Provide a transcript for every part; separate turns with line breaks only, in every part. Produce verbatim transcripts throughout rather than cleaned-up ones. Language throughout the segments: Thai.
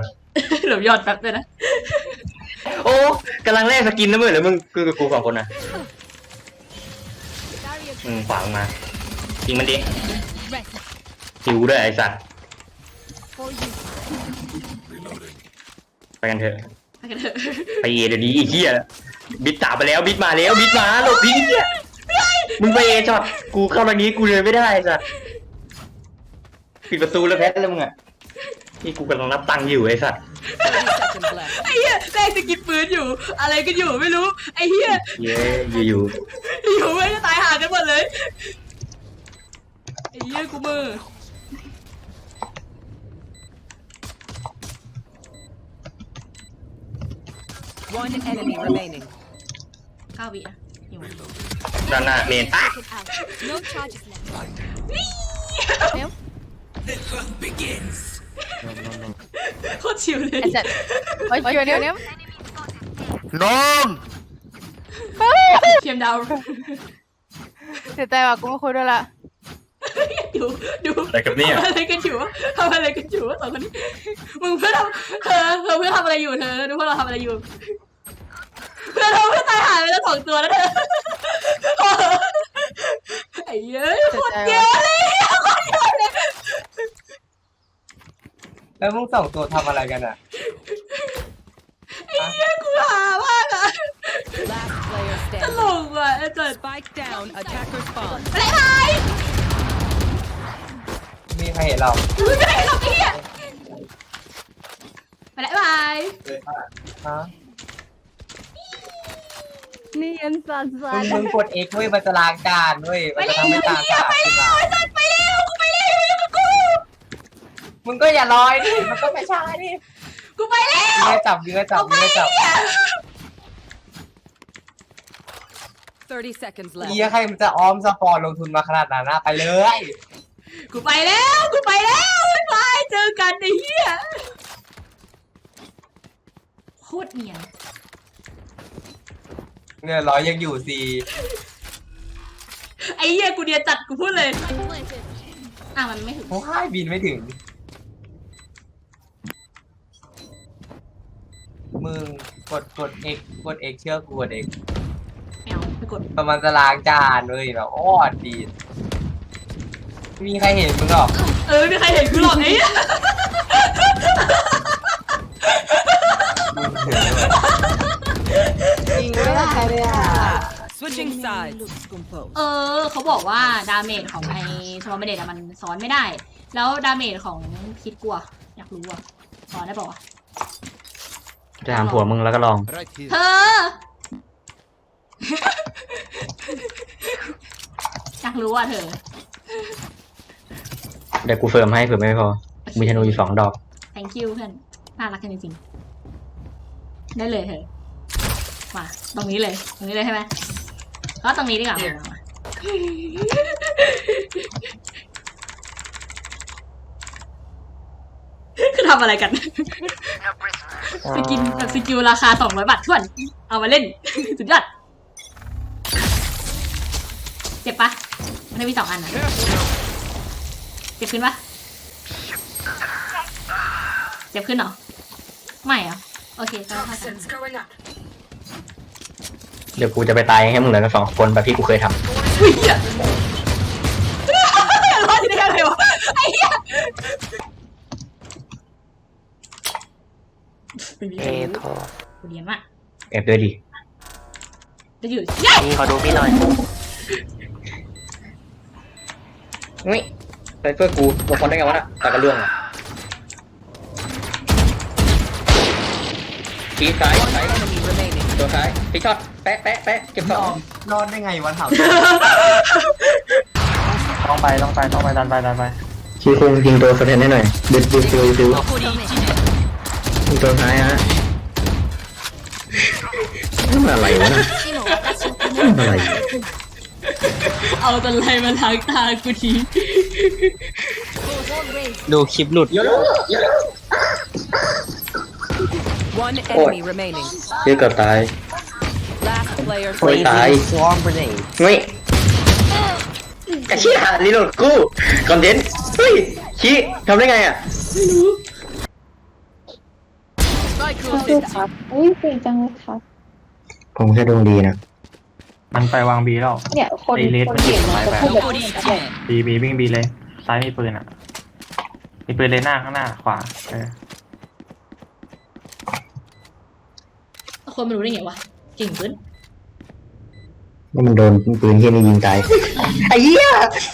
หลบยอดแป๊บเลยนะ
โอ้กำลังแลกสกินนะมึงหรือมึงคือกูสองคนนะมึงขวางมายิงมันดิหิวด้วยไอ้สัตว์ไปกันเถอะ
ไปกันเถอะ
ไปเอเดี๋ยวนี้ไอ้เหี้ยบิดตาไปแล้วบิดมาแล้วบิดมาหลบดิเนี่ยมึงไปเอช็อตกูเข้าทางนี้กูเลยไม่ได้ไอ้สัตว์ปิดประตูแล้วแพ้แล้วมึงอ่ะนี่กูกำลังนับตังค์อยู่ไอ้สัตว์
ไอ้เหี้ยแม่งจะกินปืนอยู่อะไรกันอยู่ไม่รู้ไอ้เหี้ย
เย้อยู่อยู่
อยู่ไม่จะตายห่ากันหมดเลยไอ้เหี้ยกูมือ
One enemy remaining.
เก้าวิอ่ะอยู่
ด้านหน้าเมนอ่ะ
No charges left.
โคตรชิวเลย
เฮ้ยเดี๋ยวเดี๋ยวเดี๋ยว
น้อง
เทียมดาว
เสียใจว่ะกูไม่คุยด้วยละ
ดูดู
อะไรกับเนี่ย
ทำอะไรกันอยู่ทำอะไรกันอยู่สองคนนี้มึงเพื่อทำเธอเธอเพื่อทำอะไรอยู่เธอดูพวกเราทำอะไรอยู่เพื่อเราเพื่อตายหายไปแล้วสองตัวแล้วเธอไอ้เย้ยโคตรเยอะเลยโคตรเยอะเลย
แล้วมึงสองตัวทำอะไรกันอ่ะ
ไอ้เย้ยกูหามากอะ
Last player
ตล
standing.
กว่ะไอ้จัด
Spike down. Attacker spawn.
อะไรไป
มีใครเห็นเรา
ไม่ได้หรอกไอ้เหี้ยไปแล้วบาย
ฮะ
นี่ยันสันสั
มึ
น
งมึงกด X เว้ยมันจะล้างจานเว้ย
ไป
มันจะ
เร็ว
ทำให้จาน
เหี้ย
สะอาด
ไป
ขึ้น
เร็
มาว
ไอ้สัตว์ไปเร็วกูไปเร็วอยู่กับกู
มึงก็อย่าลอยดิมันก็ไม่ใช่ดิ
กูไปแล้ว
เนื้อจับเนื้อจับเนื้อจับ
Thirty seconds left.
เหี้ยใครมันจะออมสปอร์ตลงทุนมาขนาดนั้นนะไปเลย
กูไปแล้วกูไปแล้วบ๊ายบายเจอกันไอ้เหี้ยโคตรเนียน
เนี่ยร้อยยังอยู่สิ
ไอ้เหี้ยกูเนียนจัดกูพูดเลยอ่ะมันไม่ถึง
โอ้ยบินไม่ถึงมึงกดกด X กด X เชื่อกูกด X
ไม่เอาไปกด
มันจะล้างจานเลยแบบอ้อดีไม่มีใครเห็นมึงหรอก
เออไม่มีใครเห็นกูหรอกไอ้เหี้ย
มึงเห็นเลย
จริงไม่ได้เลยอ่ะ
Switching sides. Looks composed.
เออเขาบอกว่าดาเมจของไอ้สมอลเมเดตมันซ้อนไม่ได้ แล้วดาเมจของพิษกลัวอยากรู้อ่ะซ้อนได้ป่าวะ
จะถามผัวมึงแล้วก็ลอง
เธอ อยากรู้อ่ะเธอ
เดี๋ยวกูเฟิร์มให้เผื่อไม่พอมีธนูอยู่สองดอก
thank you เพื่อนน่ารักกันจริงๆได้เลยเธอมาตรงนี้เลยตรงนี้เลยใช่ไหมก็ตรงนี้ดีกว่ามาคือทำอะไรกันสกินแบบสกิลราคาสองร้อยบาทถ้วนเอามาเล่น สุดยอดเจ็บปะมันได้มีสองอันนะเจ็บขึ้นปะเจ็บขึ้นเหรอไม่เหรอโอเคก็ได้ค่ะ
เดี๋ยวกูจะไปตายให้มึงเหลือกันสองคนแบบที่กูเคยท
อุ้ยเหี้ยรอดได้ยังไงวะไอ้เหี้ย
เอโทร
กูเรียนมาก
ำแอบด้วยดิ
จะอยู่ยัย
พี่ขอดูพี่หน่อย
นี่ไซเฟอร์กูบางคนได้ไงวะน่ะตากระเรื่องอ่ะชี้ซ้ายซ้าย
Enemy remaining.
ตัวซ้ายพี่ช็อตแปะแปะแปะเก็บสอง
รอดได้ไงวันเผา
ต้องไปต้องไปต้องไปดันไปดันไป
ชี้คุงยิงตัวสะเทนให้หน่อยดึดดึดดึดดึดยิงตัวซ้ายฮะนี่มันอะไรวะน่ะนี่มันอะไร
เอาตะไลมาล้างตากูที
ดูคลิปหลุด
เยอะเยอะ
One enemy remaining.
เยอะเกือบตาย
Last player
โอ้ย
standing.
ตาย
สวอมเบรน
เฮ้ยกระชี้หารีโหลดกูคอนเทนต์เฮ้ยชี้ทำได้ไงอ่ะ
สู้ๆครับอุ้ยเก่งจังเลยครับ
ผมแค่ดวงดีนะ
มันไปวางบีแล้ว
เนี่ยคน
ไอเลส
คนเก่งมันจะพูดแบบนี้แหละ
บีบีวิ่งบีเลยซ้ายมีปืนอ่ะมีปืนเลยหน้าข้างหน้าขวาเออ
คนมันรู้ได้ไงวะเก่งเกิน
ว่ามันโดนปืนเฮียนี่ยิงตายไอ้เหี้ย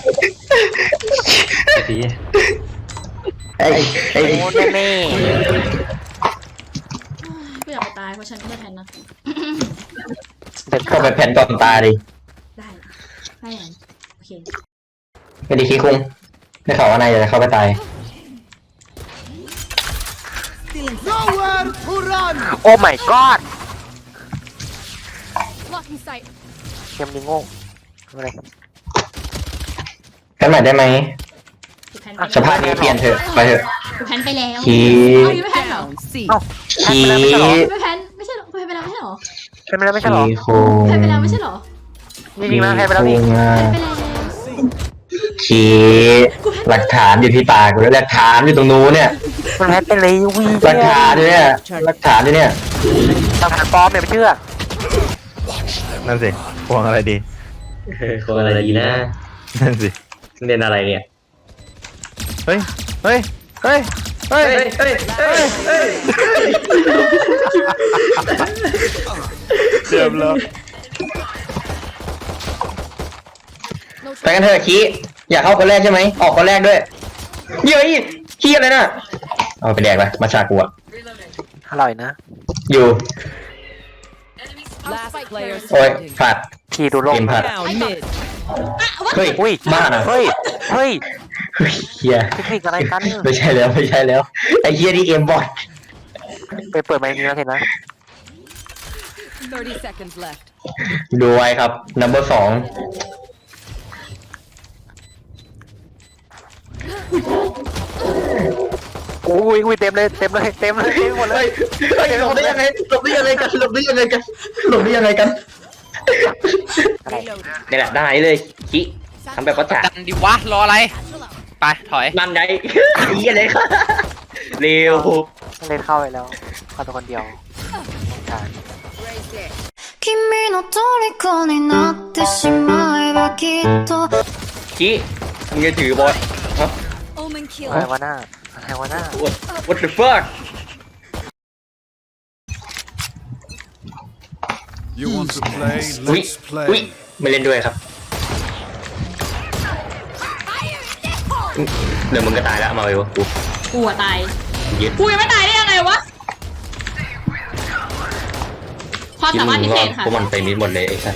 ดี
ไอ้ไอ้
โอ้แม่แม่
กูอยากไปตายเพราะฉันก็ไม่แทนนะ
เข้าไปแผ่นก่อนตายดิ
ได้ได้ยังโอเค
ไม่ได้คิดคุ้งได้ข่าวว่านายจะเข้าไปตาย
โอ้ my god เกมนี้โง่อะไร
กันใหม่ได้ไหม
กูแพน
สภาพนี้เปลี่ยนเถอะไปเถอะ
กูแพนไปแล้ว
ขี้
เอาอยู่ไม่แพนเหรอ
Down C.
ขี้
ไม่แพนไม่ใช่หรอกูแพนไปแล้วไม่ใช่หรอ
ใช่ไหมล่ะไม่ใช่หรอ
ขี้โคง
แพนไปแล้วไม่ใช่หรอ
จริงๆนะใครไปแล้วนี่
ขี้โคงอะ
แพนไปแล้ว
ขี้หลักฐานอยู่ที่ปากกูแล้วหลักฐานอยู่ตรงนู้นเนี่ย
มันแพ้ไปเลยวี
หลักฐานอยู่เนี่ยหลักฐานอยู่เนี่ย
ทำผ่านปลอมเนี่ยไม่เชื่อ
นั่นสิพวงอะไรดี
คนอะไรดีนะ
นั่นสิ
เรียนอะไรเนี่ย
เฮ้ย เฮ้ย เฮ้ย เฮ้ย
เฮ้ยเฮ้ยเฮ้ยเฮ้ย
เจ็บแล้ว
ไปกันเถอะขี้อยากเข้าคนแรกใช่ไหมออกคนแรกด้วยเย้ยขี้อะไรน่ะเอาไปแดกไปมาชากูอะ
อร่อยนะ
อยู่
Last player
โอ้ย
standing.
พลาด
พี่ดูโลก
เกมพลาด
Down mid.
เฮ้ย
อุ้ย
บ้านะ
เฮ้ย เฮ้ย
เฮ้ยเฮีย
เทคนิคอะไรกัน
ไม่ใช่แล้วไม่ใช่แล้วไอ้เฮียนี่เกมบอท
ไปเปิดไมค์นี้แล้วเห็นไหม
thirty seconds left.
ดูไว้ครับ number สอง
อุ้ยอุ้ยเต็มเลยเต็มเลยเต็มเลยเต็มหมดเลย
เฮ้ยหลบได้ยังไงหลบได้ยังไงกันหลบได้ยังไงกันหลบได้ยังไงกัน
อะไร
นี่แหละได้เลยขี้ทำแบบประจักษ์
กันดิวะ รออะไร ไป ถอย
นั่นไงเฮียเลยค่ะเร็ว
เล่นเข้าไปแล้วเข้าตัวคนเดียวใช่
君の虜になってしまえばきっと
ขี้มึงจะถือบอลฮะ
อะไรวะหน้าอะไรวะหน้า
What What the fuck
You want to play?
อุ้ย
Let's
อุ้ย
play.
ไม่เล่นด้วยครับเดี๋ยวมึงก็ตายแล้วมาเลยวะกู
กูอะตาย
ยึด
กูยังไม่ตายได้ยังไงวะความสามารถพิเศษค่ะ
พวกมันไปมิดหมดเลยไอ้สัส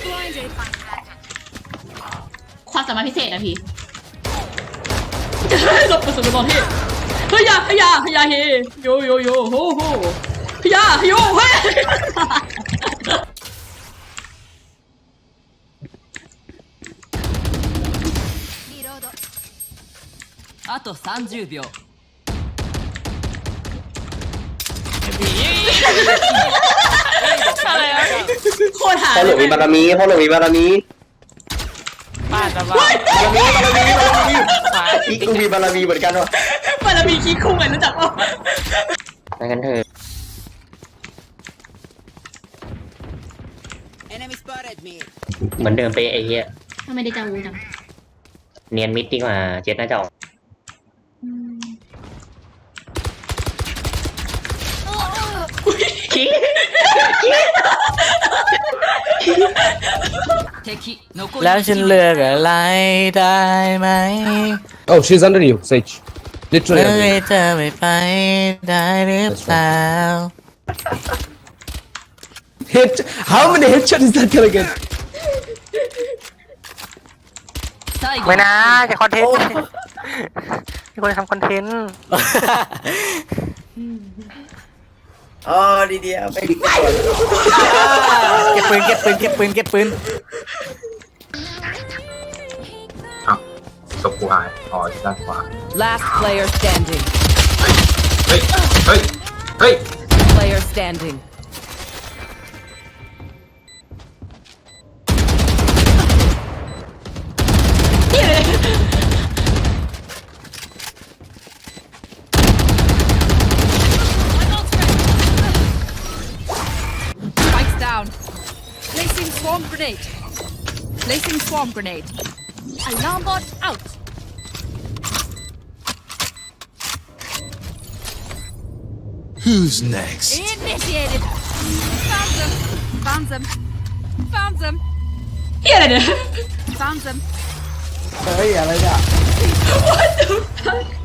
ความสามารถพิเศษนะพี่หลบกระสุนไปบอลที่เฮ้ยยาเฮ้ยยาเฮ้ยยาเฮโยโยโยโฮโฮเฮ้ยยาเฮ้ยโยเฮ้ย
あとさんじゅうびょう。
อะไรอะโคตรหา
พ่อหลวงมีบารมีพ่อหลวงมีบารมี
บ้านจะบ้า
บารมีบารมีบารมีอีกกูมีบารมีเหมือนกันวะ
บารมีขี้คุ้งเหมือนรู้จักป่ะ
ไปกันเถอะ เหมือนเดิมไปไอ้เหี้ย
ทำไมได้จังวูจัง
เนียนมิดดีกว่าเจ็ดน่าจะออกขี้
敵残り
แล้วฉันเลือกอะไรได้ไหม
Oh, she's under you, Sage.
เมื่
Literally
อ
under you.
เธอไม่ไปได้หรือเปล่า
Hit. How many headshots is that gonna get?
最後
ไม่นะจะคอนเทนต์มีคนทำคอนเทนต์
อ๋อดีเดียวไปเก็บปืนเก็บปืนเก็บปืนเก็บปืน
ศพกูหายอ๋อด้านขวา
Last player standing.
เฮ้ย เฮ้ย เฮ้ย
Player standing. Swarm grenade. Placing swarm grenade. Alarm bot out.
Who's next?
Initiated. Found them. Found them. Found them.
เฮียอะไรเนี่ย
Found them.
เฮ้ยอะไรเนี่ย